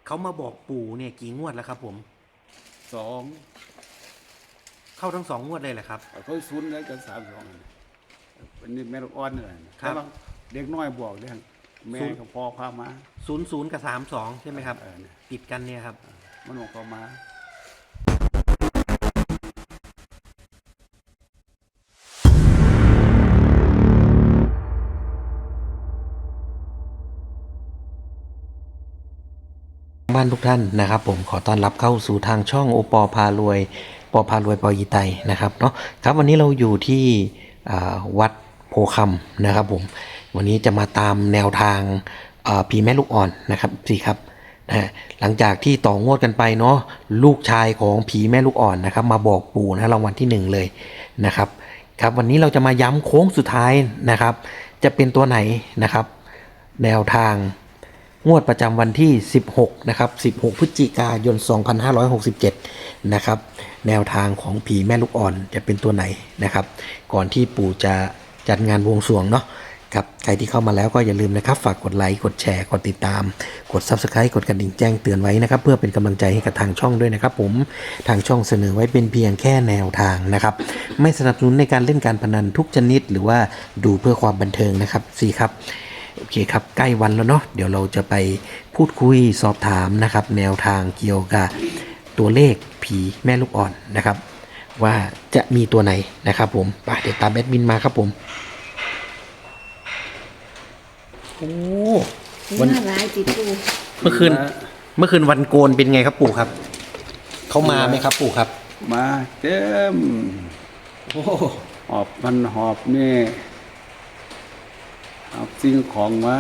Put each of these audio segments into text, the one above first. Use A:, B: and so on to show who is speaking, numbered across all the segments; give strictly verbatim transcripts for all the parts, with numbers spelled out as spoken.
A: เขามาบอกปู่เนี่ยกี่งวดแล้วครับผม
B: สอง
A: เข้าทั้งสองงวดเลยแหละครับ
B: เขาศูนย์แล้วจะสามสองอันนี้แม่ลูกอ่อนนี่แหละ
A: ครับ
B: แต่ว่าเด็กน้อยบอกเรื่องแม่กับพ่อพามา
A: ศูนย์ศูนย์กับสามสองใช่ไหมครับ
B: เออเนี่ย
A: ติดกันเนี่ยครับ
B: มันบอกเขามา
A: บ้านทุกท่านนะครับผมขอต้อนรับเข้าสู่ทางช่องโอปอพารวยปอพารวยปอยีไตนะครับเนาะครับวันนี้เราอยู่ที่วัดโพคำนะครับผมวันนี้จะมาตามแนวทางผีแม่ลูกอ่อนนะครับสิครับนะหลังจากที่ต่องวดกันไปเนาะลูกชายของผีแม่ลูกอ่อนนะครับมาบอกปู่นะรางวัลที่หนึ่งเลยนะครับครับวันนี้เราจะมาย้ำโค้งสุดท้ายนะครับจะเป็นตัวไหนนะครับแนวทางงวดประจำวันที่สิบหกนะครับสิบหกพฤศจิกายนสองพันห้าร้อยหกสิบเจ็ดนะครับแนวทางของผีแม่ลูกอ่อนจะเป็นตัวไหนนะครับก่อนที่ปู่จะจัดงานบวงสรวงเนาะครับใครที่เข้ามาแล้วก็อย่าลืมนะครับฝากกดไลค์กดแชร์กดติดตามกด ซับสไครบ์ กดกระดิ่งแจ้งเตือนไว้นะครับเพื่อเป็นกำลังใจให้กับทางช่องด้วยนะครับผมทางช่องเสนอไว้เป็นเพียงแค่แนวทางนะครับไม่สนับสนุนในการเล่นการพนันทุกชนิดหรือว่าดูเพื่อความบันเทิงนะครับสี่ครับโอเคครับใกล้วันแล้วเนาะเดี๋ยวเราจะไปพูดคุยสอบถามนะครับแนวทางเกี่ยวกับตัวเลขผีแม่ลูกอ่อนนะครับว่าจะมีตัวไหนนะครับผมไปเดี๋ยวตามแอดมินมาครับผมโอ้
C: วันร้ายติดปู
A: เมื่อคืนเมื่อคืนวันโกนเป็นไงครับปู่ครับเขามาไหมครับปู่ครับ
B: มาเต็ม
A: โอ้
B: หอบมันหอบนี่เอาสิ่งของมา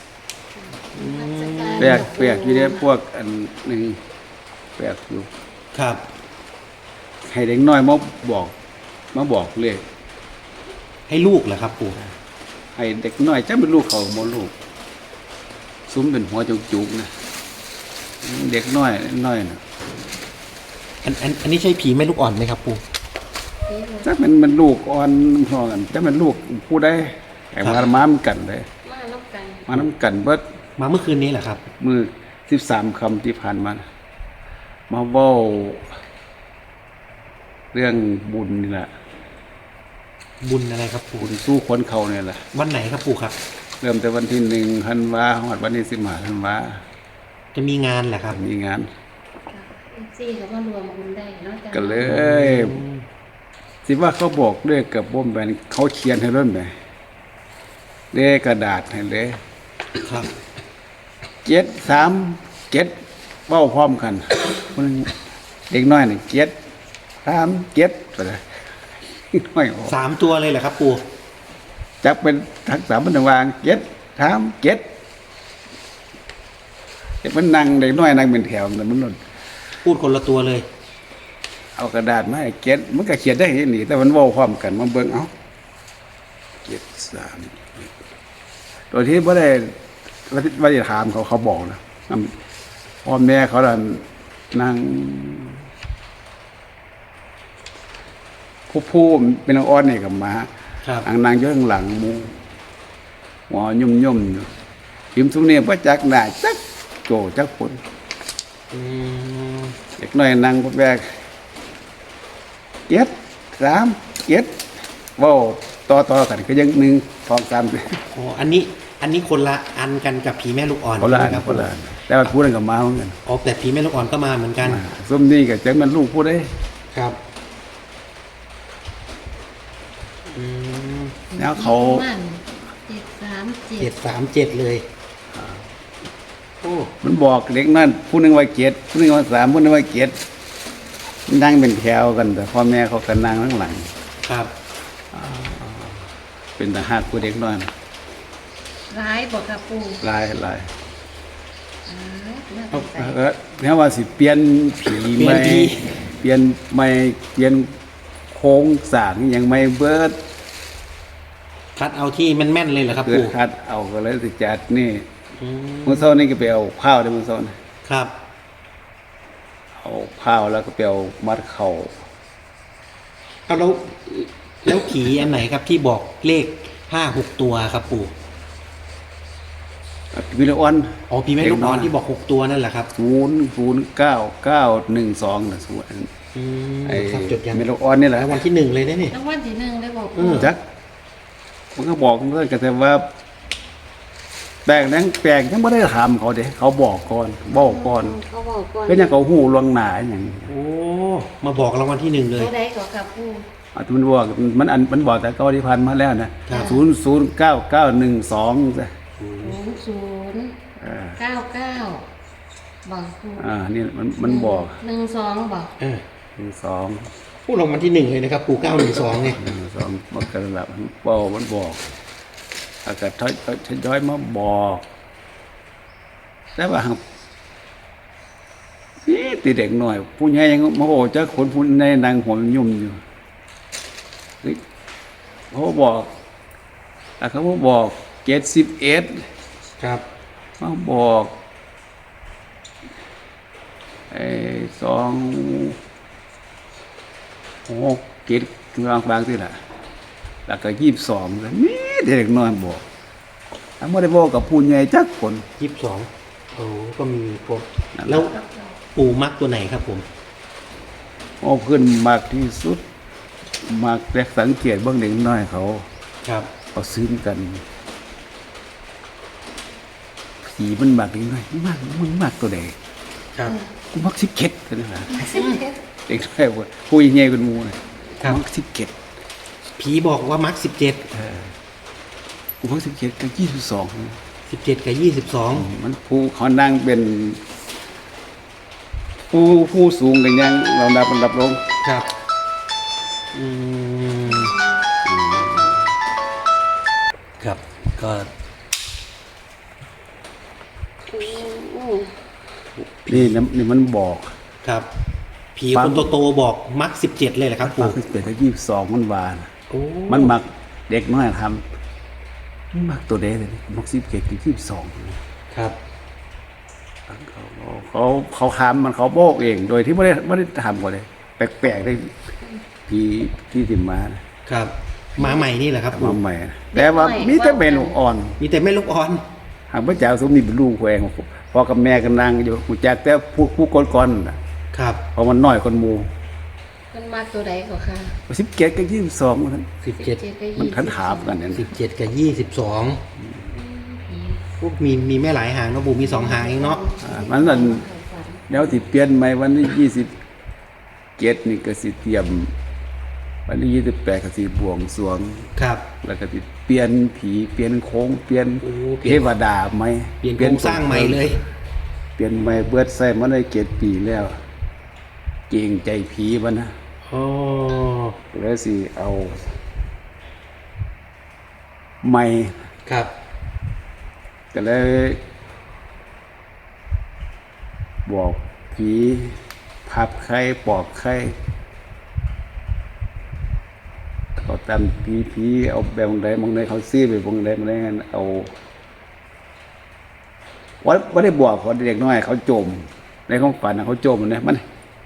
B: แปลกแปลกอยู่เนี่ยพวกอันหนึ่งแปลกอยู่
A: ครับ
B: ให้เด็กน้อยมาบอกมาบอกเลข
A: ให้ลูกเหรอครับปู่
B: ให้เด็กน้อยจะเป็นลูกเขาโมลูกซุ้มเป็นหัวจุกๆนะเด็กน้อยน้อยนะ
A: อันอันอันนี้ใช่ผีแม่ลูกอ่อนไหมครับปู่
B: ถ้ามันมันลูกอ่อนพอกันถ้ามันลูกผู้ใดไอ้มาม้ามกันเลย
C: มาน้ำกัน
B: มาน้ำกันเบิด
A: มาเมื่อคืนนี้แหละครับ
B: มือสิบสามคำที่ผ่านมามาเว้าเรื่องบุญนี่แหละ
A: บุญอะไรครับปู่
B: บุญสู้คนเขาเนี่ยแหละ
A: วันไหนครับปู่ครับ
B: เริ่มแต่วันที่หนึ่งธันวาหอดวันที่สิบห้าธันวา
A: จะมีงานแหละครับ
B: มีงาน
C: ซี่เขาก็รวมบุญได้เนาะ
B: ก็เลยสิว่าเขาบอกด้วยกับบ่มแบนเขาเขียนให้เริ่มไหมเลขกระดาษให้เลย
A: ครับ
B: เจ็ดสามเจ็ดเบ้าพร้อมกันเด็กน้อยนี่เจ็ดสามเจ็ดไปเลยน้อย
A: สามตัวเลยแหละครับปู่
B: จักเป็นทักษะมันวางเจ็ดสามเจ็ดเด็กมันนั่งเด็กน้อยนั่งเป็นแถวมันมันหล่น
A: พูดคนละตัวเลย
B: เอากระดาษมาให้เจ็ดมันก็เขียนได้เห็นนี่แต่มันเว้าพร้อมกันมันเบิ่งเอาเจ็ดสามตัวที่ไม่ได้ไม่ได้ถามเขาเขาบอกนะพ่อแม่เขาดันนั่งผู้ผู้เป็นอ้อนนี่กับมาอังนางอยู่ข้างหลังมูหัวยุ่มยุ่มอยู่พิมพ์ทุกเนี่ยพระจักหน้าจักโจจักผลเด็กน้อยนั่งพวกแบกเจ็ดสามเจ็ดว้าวต่อต่อกันก็ยังหนึ่งสองสาม
A: อ๋ออันนี้อันนี้คนละอันกันกับผีแม่ลูกอ่อน
B: คนละอันคนละแต่ว่าพูดกันกับมาเหมือนกัน
A: อ๋อแต่ผีแม่ลูกอ่อนก็มาเหมือนกัน
B: ส้มนี่กับจังมันลูกพูดได้
A: ครับ
B: แล้วเขา
C: เจ็ดสามเจ็ด
A: เจ็ดสามเจ็ดเลยโอ้
B: มันบอกเด็กนั่นผู้นึงว่าเจ็ดผู้นึงว่าสามผู้นึงว่าเจ็ดนั่งเป็นแถวกันแต่พ่อแม่เขากันนั่งข้างหลัง
A: ครับ
B: เป็นทหารผู้เด็กน้อย
C: ร้ายบอกกับปู่
B: ลายลายเออเนี่ยว่าสิเปลี่ยนผีไม่เปลี่ยนไม่เปลี่ยนโค้งสร้างยังไม่เบิด
A: คัดเอาที่แม่นๆเลยเหรอครับปู่
B: คัดเอาก็เลยสิจัดนี่มือโซ่นี่ก็ไปเอาข้าวได้มือโซ่
A: ครับ
B: เอาข้าวแล้วก็ไปเอามัดเข่า
A: เอาแล้วแล้วผีอันไหนครับที่บอกเลขห้าหกตัวครับปู่
B: วิลออน
A: อ๋อผีแม่ลูกอ่อนที่บอกหกตัวนั่นแหละครับ
B: ศูนย์ศูนย์เก้าเก้าหนึ่งสองนะศูนย์
A: อืม
B: ไอ้
A: ครับจดยัง
B: เมโลออนนี่แหละ
A: แล้ววันที่หนึ่งเลยนะนี่
C: รางวัลที่หนึ่งได้บอก
A: อืม
B: จักมันก็บอกเพื่อนกันแต่ว่าแปลกนั้นแปลกยังไม่ได้ถามเขาเด้เขาบอกก่อนบอกก่อน
C: เขาบอกก่อน
B: ก็ยังเขาหูลวงหนาอย่างนี้
A: โอ้มาบอกรางวัลที่หนึ่งเลย
C: ตัวใดก็ค่ะปู
B: อาจจะมันบอกมันอันมันบอกแต่เก้าที่พันมาแล้วนะครับ ศูนย์ศูนย์เก้าเก้าหนึ่งสอง
C: ศูนย์ศูนย์
B: อ่า
C: เก้าเก้าบอกปู
B: อ่านี่มันมันบอก
C: หนึ่งสองบอก
A: เออ
B: หนึ่งสอง
A: พูดรางวัลที่หนึ่งเลยนะครับปู่เก้าหนึ่งสองเนี่ย
B: หนึ่งสองมันกระดับมันบอกมันบอกอากาศทอยทยอยมาบอกแต่ว่านี่ตีเด็กหน่อยผู้ใหญ่ยังโมโหเจ้าคนผู้ในนางหัวมันยุ่มอยู่เฮ้ยเขาบอกแต่เขาบอกเจ็ดสิบเอ็ด
A: ครับ
B: มาบอกไอ้สองหกเจ็ดกลางบางที่ละแล้วก็ยี่สิบสองเลยนี่เด็กน้อยบอกถ้าไม่ได้บอกกับผู้ใหญ่จักคน
A: ยี่สิบสองโอ้ก็มีครบ
B: นั่นแหละ
A: แล้วปู่มักตัวไหนครับผม
B: เอาขึ้นมากที่สุดมากแรกสังเกตเบื้องเด็กน้อยเขา
A: ครับ
B: เขาซื้อกันผีมันมากเด็กน้อยมากมึงมากตัวใด
A: ครับ
B: กูมักสิบเก็ดกันนะเด็กน้อยว่าผู้ใหญ่เป็นหมูนะครับ มักสิบเก็ด
A: ผีบอกว่ามักสิบเจ็ด
B: กูมักสิบเก็ดกับยี่สิบสอง
A: สิบเจ็ดกับยี่สิบสอง
B: มันผู้เขานั่งเป็น ผู้ผู้สูงกันยังเรานับมันรับลง
A: ครับอืมครับก็
C: อืม
B: นี่นะนี่มันบอก
A: ครับ ผี
B: ฟั
A: ค
B: ง
A: นโตๆบอกมักสิบเจ็ดเลยเหรอครับ
B: มั
A: ปู่
B: กสิบเก็ดกับยี่สิบสองมันวาน
A: โอ้
B: มันมักเด็กน้อยทำมันมักตัวเด็กเลยมักสิบเก็ดกับยี่สิบสอง
A: ครับ
B: เขาเขาเขาทำมันเขาโบกเอง โดยที่ไม่ได้ไม่ได้ทำก่อนเลย แปลกๆได้ผีที่ติมมานะครับ
A: หมาใหม่นี่แหละครับปู่
B: มาใหม่แต่ว่ามีแต่เป็นลูกอ่อน
A: มีแต่แม่ลูกอ่อน
B: หากพระเจ้าสมนี่เป็นลูกแหวงพอกับแม่กันนางอยู่หูจักแต่ผู้ผู้ก่อนๆน่ะ
A: ครับ
B: เพราะมันน้อยคนหมู
C: มันมาตัวใดก็ค่ะ
B: สิบเก็ดกับยี่สิบสองมัน
A: สิบเจ็ด
C: เจ็ดกับ
B: มัน
C: ยี่
B: ทันถามกันเนี่ย
A: สิบเจ็ดกับยี่สิบสองพวกมีมีแม่หลายหางเนาะปู่มีสองหางเองเนาะ
B: อ่ามันนั่นแล้วที่เปลี่ยนใหม่วันที่ยี่สิบเจ็ดนี่ก็สิเตรียม วันที่ยี่สิบแปดก็สิบวงสรวง
A: ครับ
B: แล้วก็สิเปลี่ยนผีเปลี่ยนโค้งเปลี่ยน
A: โอ้เป
B: เท
A: ลี่ยน
B: วดาไหม
A: เปลี่ยนโครงสร้างใหม่เลย
B: เปลี่ยนใหม่เบิดใส่มาได้เจ็ดปีแล้ว เก่งใจผีมันนะ
A: อ๋อ
B: แล้วสิเอาใหม่
A: ครับ
B: ก็เลยบอกผีพับไข้ปอกไข้เขาตามผีผีเอาแบบบางใดบางใดเขาซื้อไปบางใดบางใดงั้นเอาว่าว่าได้บอกเขาเด็กน้อย เขาจม ในของฝันน่ะเขาจมเนี่ยมัน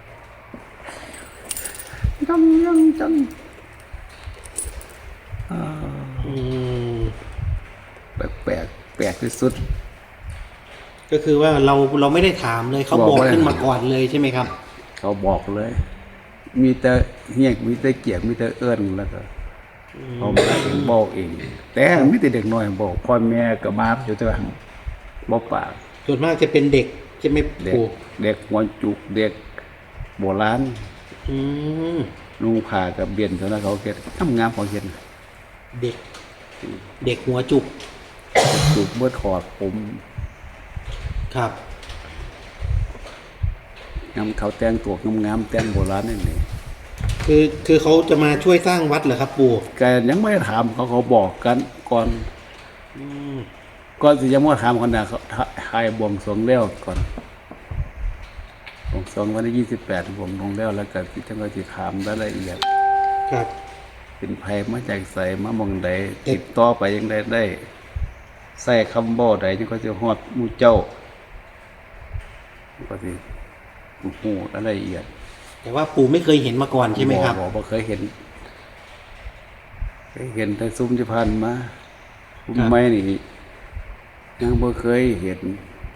B: จังยังจังอ่า
A: อืม
B: แปลกแปลกแปลกที่สุด
A: ก็คือว่าเราเราไม่ได้ถามเลยเขา
B: บอก
A: บอก
B: ว่า
A: ขึ้นมาก่อนเลยใช่ไหมครับ
B: เขาบอกเลย มีแต่เฮียกมีแต่เกียกมีแต่เอื้อนแล้วก็เขามาเองบอกเอง แต่มีแต่เด็กน้อยบอกพ่อแม่ก็มาอยู่แต่ว่าบอกปาก
A: ส่วนมากจะเป็นเด็กใช่ไหม
B: เด็ก
A: ปู่
B: เด็กหัวจุกเด็กโบราณ
A: อืม
B: นุ่งผ้ากับเบียนเท่านั้นเขาเก็ดทำงานของเห็น
A: เด็ก เด็กหัวจุก
B: จุกเมื่อถอดผม
A: ครับ
B: งามเขาแต่งตัวงามๆแต่งโบราณนี่นี่
A: คือคือเขาจะมาช่วยสร้างวัดเหรอครับปู่
B: แกยังไม่ได้ถามเขาเขาบอกกันก่อน
A: อืม
B: ก่อนที่จะมาถามคนน่ะเขาทายบวงสรวงแล้วก่อนบวงสรวงวันที่ยี่สิบแปดบวงสรวงแล้วแล้วก็ที่ทั้งก็ที่ถามรายละเอียด
A: ครับ
B: เป็นภัยมาจากใส่มามองใดติดต่อไปยังได้ได้ใส่คำบ่ใดยังก็จะฮอดหมู่เจ้าก็สิหูรายละเอียด
A: แต่ว่าปู่ไม่เคยเห็นมาก่อนใช่ไหมครับ
B: บอกบ่เคยเห็นเคยเห็นแต่ซุ้มที่ผ่านมาซุ้มไม้นี่ยังบ่เคยเห็น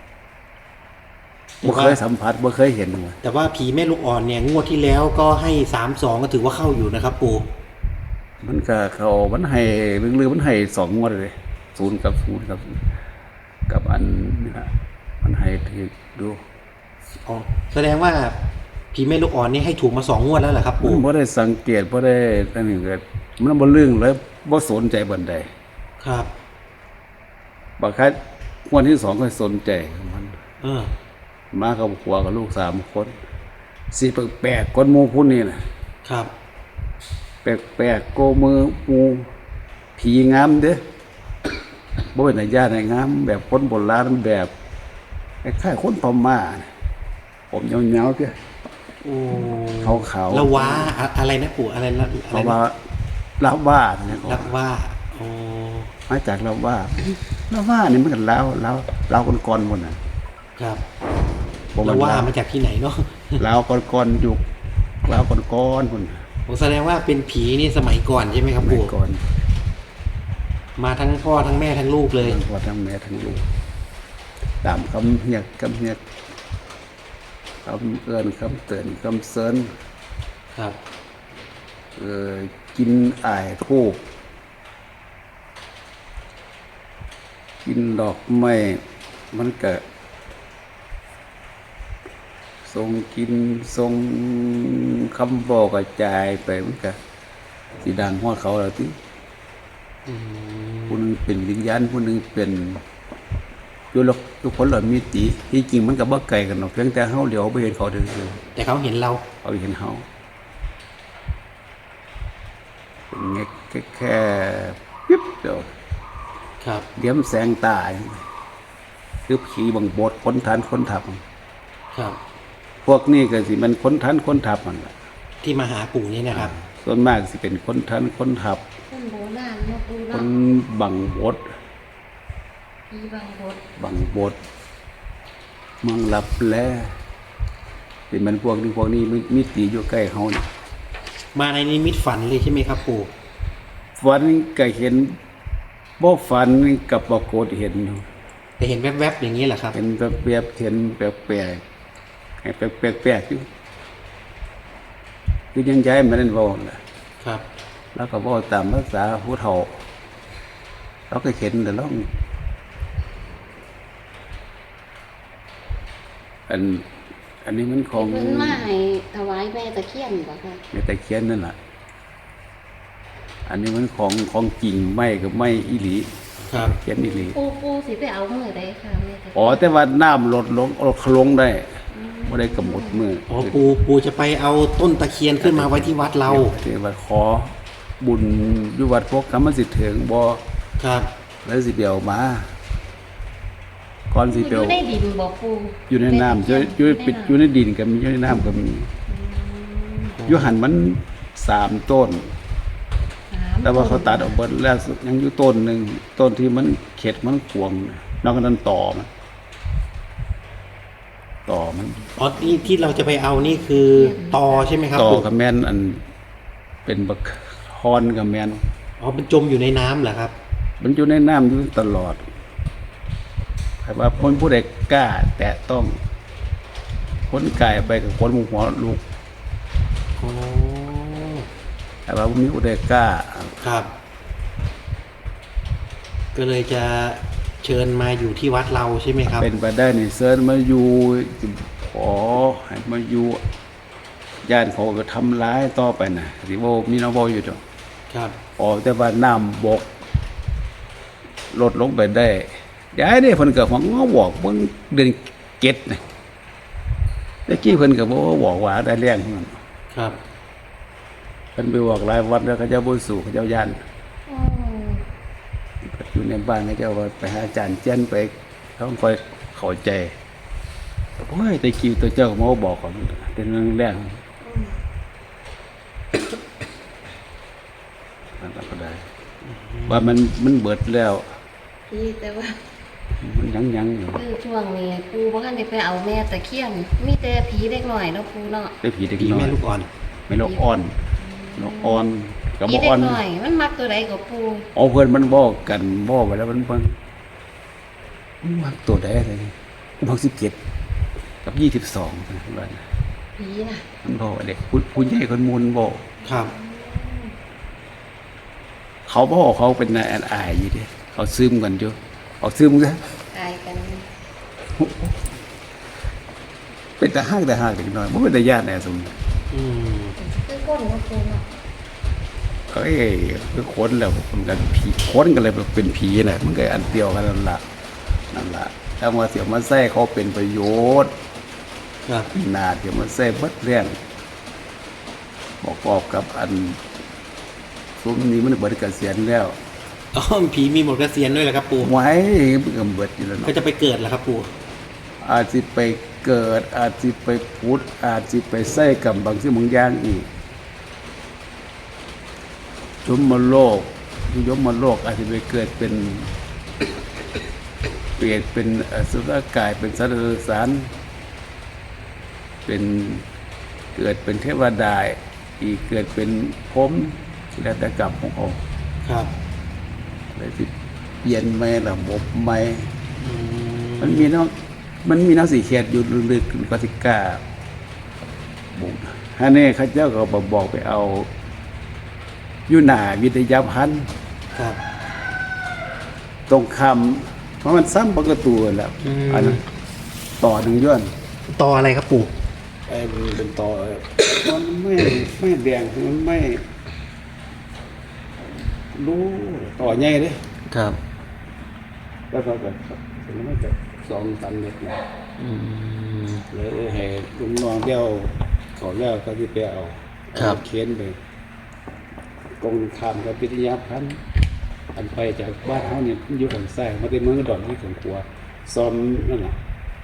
B: บ่เคยสัมผัสบ่เคยเห็นเลย
A: แต่ว่าผีแม่ลูกอ่อนเนี่ยงวดที่แล้วก็ให้สามสองก็ถือว่าเข้าอยู่นะครับปู่
B: มันก็เขามันให้ลือๆมันให้สองงวดเลยศูนย์กับศูนย์กับ กับอันนี่นะมันให้ถือดู
A: อ๋อแสดงว่าผีแม่ลูกอ่อนนี่ให้ถูกมาสองงวดแล้วเหรอครับ
B: มั
A: ปู่
B: นบ่ได้สังเกตบ่ได้อันนี้ก็มันบ่เรื่องเลยบ่สนใจบันใด
A: ครับ
B: บางครั้งงวดที่สองก็สนใจมัน
A: เออ
B: มากับผัวกับลูกสามคนสิแปลกๆคนหมู่พุ่นนี่น่ะ
A: ครับ
B: แปลกๆโกมือปูผีงามเด้อบ่เป็นญาติให้งามแบบคนโบราณแบบคล้ายๆคนพม่าน่ะผมยาวๆเด้อ
A: โอ้
B: ขาวๆ
A: ละว้าอะอะไรนะปู่อะไรนะอะ
B: เพ
A: ไร
B: ราะ
A: นะ
B: ว่าลาวว่าเนี่ย
A: ละว่าโอ้
B: มาจากลาวว่าลาวว่านี่มันก็ลาวลาวลาวก่อนๆพุ่นน่ะ
A: ครับ
B: บ่
A: ละ
B: น
A: ว่า
B: ลว
A: มาจากที่ไหนเนาะ
B: ลาวก่อนๆอยู่ลาวก่อนๆพุ่นน่ะ
A: ผมแสดงว่าเป็นผีนี่สมัยก่อนใช่ไหมครับ
B: สมัย
A: ปู่
B: ก่อน
A: มาทั้งพ่อทั้งแม่ทั้งลูกเลย
B: ทั้งพ่อทั้งแม่ทั้งลูกตามคำเฮียกคำเฮียกคำเอิ้นคำเตือนคำเซิน
A: ครับ
B: เออกินอ้ายทูบกินดอกไม้มันก็ทรงกินทรงคำบอกกระจายไปมันก็สีดังฮอดเขาแล้วที่
A: อืม
B: ผู้หนึงเป็นวิญญาณผู้หนึงเป็นอยู่ลกทุกคนเหล่ามีติที่จริงมันก็บ่ไกลกันหรอกเพียงแต่เฮาเหลียวบ่เห็นเขาเด้อ
A: แต่เขาเห็นเรา
B: เขาเห็นเฮาเป็นแค่แค่ปิ๊บเดียว
A: ครับ
B: เดี๋ยวมันแสงตาคือผีบังบดคนทันคนทับ
A: ครับ
B: พวกนี้ก็สิมันคนทันคนทับมันล่ะ
A: ที่มาหาปู่นี่นะครับ
B: ส่วนมากสิเป็นคนทันคนทับ
C: คนโบราณมาปู
B: ค
C: เนาะ
B: นบังบด
C: ผีบางบด
B: บังบดเมืองลับแลสิมันพวกนี้พวกนี้มีมีตีอยู่ใกล้เฮานี่
A: มาในนิมิตฝันเลยใช่ไหมครับปู่
B: ฝันก็เห็นบ่ฝันกับปรากฏเห็นอยู่
A: แต่เห็นแวบๆอย่างนี้เหรอครับ
B: เห็นแบบแบบเห็นแปลกๆให้แปลกๆอยู่คือยังย้ายมันนั่นเว้าล่ะ
A: ครับ
B: แล้วก็บอกตามภาษาผู้เฒ่าเราก็เห็นแต่เราอัน อันนี้มันของ
C: เพิ่นมาให้ถวายแม่ตะเคียนบ่ค่ะ
B: ในตะเคียนนั่นแหละอันนี้มันของของจริงไม่กับไม่อีหลี
A: ครับ
B: เขียนอีหลี
C: ปูปูสิไปเอามือใดค่ะแม่ตะเคียน
B: อ๋อแต่ว่าน้ำลดลงลดลงได้ไม่ได้กำหนดมือ
A: อ๋อปู่ปู่จะไปเอาต้นตะเคียนขึ้นมาไว้ที่วัดเรา
B: ที่ว่าขอบุญอยู่วัดพวกคำมันสิถึงบ่
A: ครับ
B: แล้วสิเปียวมาก่อนสิ
C: อ
B: เปียว
C: ยู่ในดินบ่ปู
B: อยู่ในน้ำอยู่อยู่ปิดอยู่ในดินก็มีอยู่ในน้ำก็มีอยู่หันมันสามต้น แต่ว่าเขาตัดออกหมดแล้วยังอยู่ต้นหนึ่งต้นที่มันเข็ดมันขวงนอกจากนั้นต่อมันต่อมัน
A: อ๋อที่ที่เราจะไปเอานี่คือตอใช่ไหมครับ
B: ต่อ
A: ปู่
B: กับแม่นอันเป็นบักฮอนกับแม่น
A: อ๋อมันจมอยู่ในน้ำเหรอครับ
B: มันอยู่ในน้ำอยู่ตลอดใครว่าคนผู้ใดกล้า แตะต้องคนกายไปกับคนหมู่หัวลูก
A: อ๋อ
B: ใครว่ามีผู้ใดกล้า
A: ครับ ก็เลยจะเชิญมาอยู่ที่วัดเราใช่ไหมครับ
B: เป็นไปได้นี่เซิร์นมาอยู่ขอให้มาอยู่ญาติเขาก็ทำร้ายต่อไปนะสิโวมีน้องโวอยู่จ้ะ
A: ครับ
B: ออกแต่ว่าน้ำบกลดลงไปได้ย้ายได้เพิ่นก็หวังว่าบอกเบิ่งเดือนเก็ดนะแต่กี้เพิ่นก็บ่บอกว่าได้แรงเท่านั้น
A: ครับ
B: เพิ่นไปบอกหลายวัดแล้วเขาเจ้าบ่สู่เขาเจ้าย่าน
C: อ๋อ
B: อยู่ในบ้านเขาเจ้าว่าไปหาอาจารย์เจียนไปเขาค่อยเข้าใจโอ้ยแต่กี้ตัวเจ้าก็มาบอกก่อนเป็นเรื่องแรกนั่นก็ได้ ว่ามันมันเบิดแล้ว
C: พี่แต่ว่า
B: มันยังยังอยู่
C: คือช่วงนี้ปูบ่ทันได้ไปเอาแม่ตะเคียน มีแต่ผีเด็กน้อยเนาะปูเนาะ
B: ได้ผีเด็ก
A: ผี
B: น้อ
A: แม่
B: ย
A: ลูกอ่อน
B: ไม่นกอ่อนนกอ่อนกับ
C: ผี
B: บ่
C: เด็
B: อ่อก น
C: น้อย มันมักตัวใดก็ปู
B: เอาเพื่อนมันบอกกันบอกไปแล้วมันเพิ่นมันตัวใดเลยหกสิบเจ็ดกับยี่สิบสองวัน
C: ผีน่ะ
B: มันบอกว่าเด็กผู้ผู้ใหญ่คนมูลบอก
A: ครับ
B: เขาบอกเขาเป็นนายอายอยู่ดิเขาซึมกันอยู่เขาซึมซะ
C: ตายกัน
B: เป็นแต่ห้างแต่ห้างเด็กน้อยไม่เป็นแต่ญาติแน่สม
A: อืม
C: คือก้นของปูเนาะ
B: ก็เอ้ยคือคนแล้วมันกันผีคนกันเลยเป็นผีน่ะมันก็อันเดียวกันนั่นละนั่นละถ้ามาเสียมาแท้เขาเป็นประโยชน์
A: ครับ
B: นาเดี๋ยวมาแท้เบิดเรื่องบอกกอบกับอันซุ้มนี้มันเบิดเกษียณแล้ว
A: อ๋อผีมีหมดเกษียณด้วยเหรอครับปู่
B: ไว้มันก็เบิดอยู่แล้ว
A: ก็
B: เนาะ
A: จะไปเกิดเหรอครับปู่
B: อาจจะไปเกิดอาจจะไปพุทธอาจจะไปใส่กับบางสิ่งบางอย่างอีกยมโลกยมโลกอาจจะไปเกิดเป็นเปลี่ยนเป็นอสุรกายเป็นสัตว์สารเป็นเกิดเป็นเทวดาอีกเกิดเป็นพรหมแล้วแต่กรรมของเขา
A: ครับ
B: อะไรที่เปลี่ยนไหมระบบไหม
A: อืม
B: มันมีเนาะมันมีน้ำสีเขียดอยู่ลึกๆก็สิกล้าบุกฮะนี่ข้าเจ้าก็บอกบอกไปเอาอยู่หน้าวิทยาพันธ์
A: ครับ
B: ตรงคำเพราะมันซ้ำปกตูแหล้ว
A: อืม
B: อันนั้นต่อหนึ่งย้อน
A: ต่ออะไรครับปู่
B: ไอ้มันเป็นต่อมันไม่ไม่แดงมันไม่ รู้ต่อใหญ่เลย
A: ครับ
B: แล้วก็แบบมันไม่จะสองสามเมตรนะ
A: อืม
B: เลยให้ลุงน้องเดียวเขาแล้วก็ที่ไปเอา
A: ครับ
B: เขียนไปกองคามกับวิทยาพันธ์อันไปจากบ้านเขาเนี่ยอยู่ทางซ้ายมาได้เมืองดอนที่ของขัวซ้อมนั่นแหละ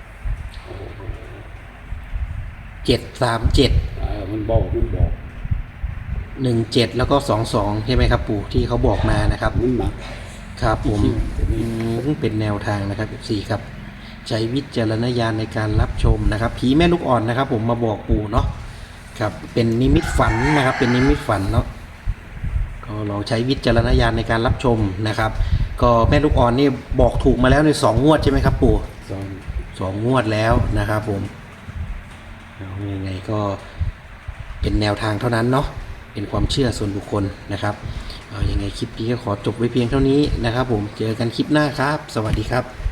A: เจ็ดสามเจ็ด
B: อ่ามันบอกมันบอก
A: หนึ่งเจ็ดแล้วก็สองสองใช่ไหมครับปู่ที่เขาบอกมานะครับ
B: มันหมัก
A: ครับผม
B: ที่ที่
A: อืมเป็นแนวทางนะครับสี่ครับใช้วิจารณญาณในการรับชมนะครับผีแม่ลูกอ่อนนะครับ ผมมาบอกปู่เนาะครับเป็นนิมิตฝันนะครับ เป็นนิมิตฝันเนาะก็ลองใช้วิจารณญาณในการรับชมนะครับ ก็แม่ลูกอ่อนนี่บอกถูกมาแล้วในสองงวดใช่ไหมครับปู่
B: ซ้อม
A: สองงวดแล้วนะครับผมเอายังไงก็เป็นแนวทางเท่านั้นเนาะเป็นความเชื่อส่วนบุคคลนะครับเอายังไงคลิปนี้ก็ขอจบไว้เพียงเท่านี้นะครับผมเจอกันคลิปหน้าครับ สวัสดีครับ